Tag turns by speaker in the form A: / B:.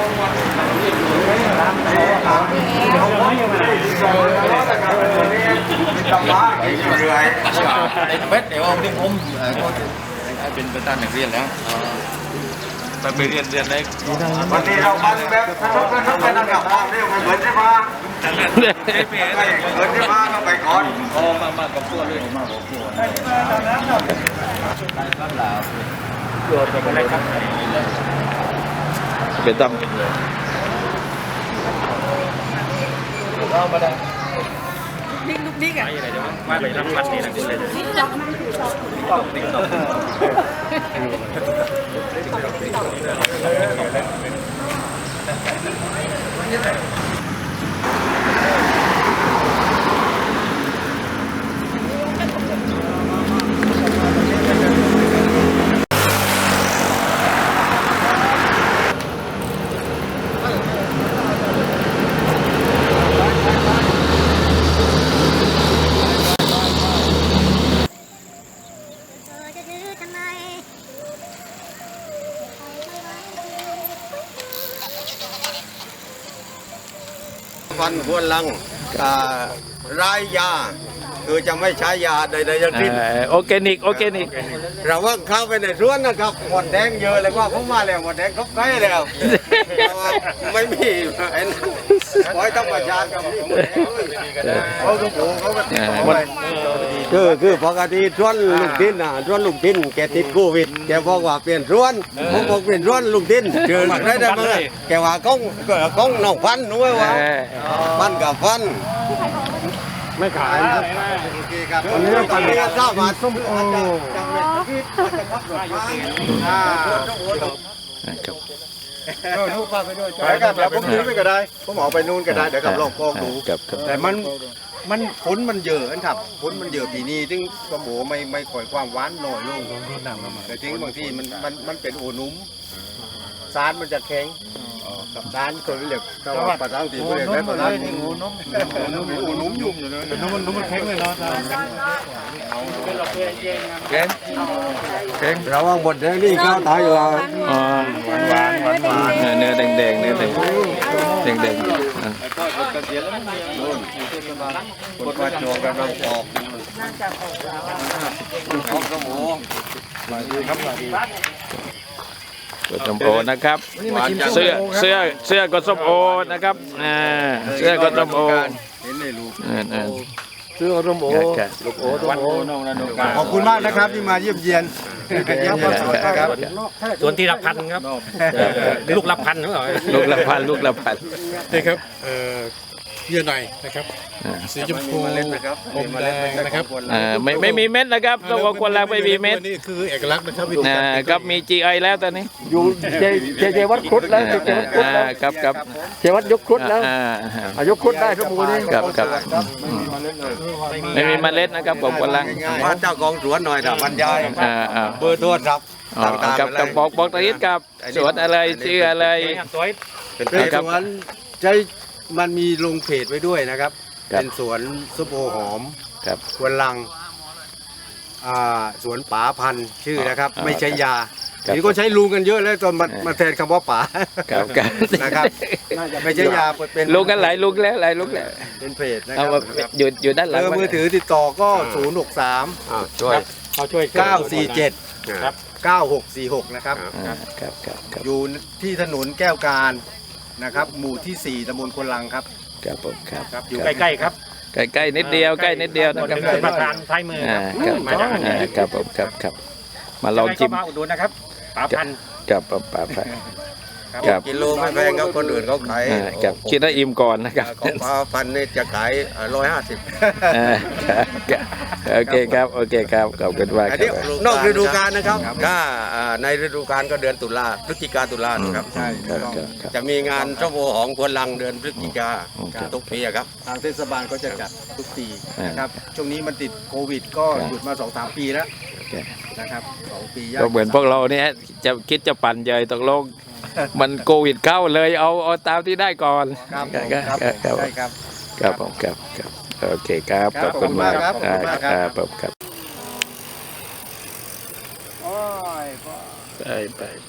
A: เบ็ดเดี๋ยวที่ผมเป็นประธานนักเรียนแล้วไปเรียนได้วันนี้เราบันแบบทุกเป็นระดับความเร็วเหมือนใช่ไหมเหมือนใช่ไหมก็ไปก่อนมากับตัวเลยมากับตัวได้ครับลาวโยนไปเลยครับเป็นตั้มเรามาได้ลูกดิ๊กอ่ะมาไปรับพัดนี่นะคุณเลยฟันหัวลังรายยาคือจะไม่ใช้ยาใดๆทั้งสิ้นออร์แกนิกเราว่าเข้าไปในสวนนะครับหมดแดงเยอะเลยว่าผมมาแล้วหมดแดงครบใกล้แล้วไม่มีไอ้นั่นปล่อยธรรมชาติกับนี่หมดแดงเขาก็ปลูกเขาก็ติดต่อไปคือปกติสวนลุงทินสวนลุงทินแกติดโควิดแกบอกว่าเปลี่ยนสวนผมบอกเปลี่ยนสวนลุงทินเชิญได้ไหมแกว่าก้องน้องฟันนู้นว่าฟันกับฟันไม่ขายครับวันนี้ปันนี้ทราบว่าส้มโอลูกพาไปด้วยไปครับแล้วผมยืนไปก็ได้ผมออกไปนู่นก็ได้เดี๋ยวกับลองกองดูแต่มันผลมันเยอะครับผลมันเยอะปีนี้ถึงส้มโอไม่ค่อยความหวานน้อยลงแต่ถึงบางทีมันเป็นโอนุ่มสารมันจะแข็งกับด้านคนเรียกถ้าว่าภาษาอังกฤษเรียกได้ภาษาอังกฤษนุ่มยุ่งอยู่เลยนุ่มมันแข็งเลยเนาะแข็งเราว่าบดแดงนี่ข้าวตายว่าหวานเนื้อแดงกดมาโจกันเราออกของสมองสวัสดีครับสวัสดีกดส้มโอนะครับเสื้อกดส้มโอนะครับเสื้อกดส้มโอเห็นเลยลูกเสื้อส้มโอลูกโอส้มโอขอบคุณมากนะครับที่มาเยี่ยมเยียน
B: ส่วนที่รับพันครับลูกรับพันหรือเปล่า
A: ลูกละพัน
C: นี่ครับเยื่อในนะครับสีชมพูอมแดงนะครับ
A: ไม่มีเม็ดนะครับตัวคนแรกไม่มีเม็ด
C: นี่คือเอกลักษณ์นะครับ
A: ครับมี GI แล้วตอนนี้
D: อยู่เจวัดครุฑแล้ว
A: ครับ
D: เจวัดยกครุฑแล้วยกครุฑได้ครับมูนี่
A: ครับไม่มีเมล็ดนะครับผมคนแรก
D: ว่าเจ้ากองสวนหน่อยนะบรรยายเบอร์โทรศัพท์
A: กับบอกตะยิดกับสวนอะไรชื่ออะไร
D: เป็นสวนใจมันมีลงเพจไว้ด้วยนะครับเป็นสวนส้มโอหอมควนลังสวนป๋าพันธุ์ชื่อนะครับไม่ใช่ยานี่ก็ใช้ลุงกันเยอะแล้วจนมาแทนคำว่าป๋านะครับไม่ใช่ยาเป็น
A: ลุงกันหลายลุงแล้ว
D: เป็นเพจนะครับ
A: อยู่ด้านหลัง
D: มือถือติดต่อก็063
A: ช่วย
D: 947 9646นะครับอยู่ที่ถนนแก้วการนะครับหมู่ที่4ตำบลควนลังครับ
A: ครับ
B: อยู่ใกล้ๆครับ
A: ใกล้นิดเดียว
B: นะครับประธานท้ายมือ
A: ครับมาลองชิม
B: มาอุดหนุนนะครับป๋าพันธุ์
A: ป๋าพันธุ์
D: กิโลไม่แพงครับคนอื่นเขาขาย
A: คิดว่าอิ่มก่อนนะครับ
D: ของป๋าพันธุ์นี่จะขาย150
A: โอเคครับขอบคุณมาก
D: นอกฤดูกาลนะครับถ้าในฤดูกาลก็เดือนตุลาพฤศจิกาตุลาครับใช่จะมีงานส้มโอของควนลังเดือนพฤศจิกาทุกปีครับทางเทศบาลก็จะจัดทุกปีนะครับช่วงนี้มันติดโควิดก็หยุดมา 2-3 ปีแล้วนะครับ2 ปี
A: ก็เหมือนพวกเราเนี่ยจะคิดจะปั่นใหญ่ตกลงมันโควิดเข้าเลยเอาตามที่ได้ก่อนครับผมโอเคครับขอบคุณมากครับไป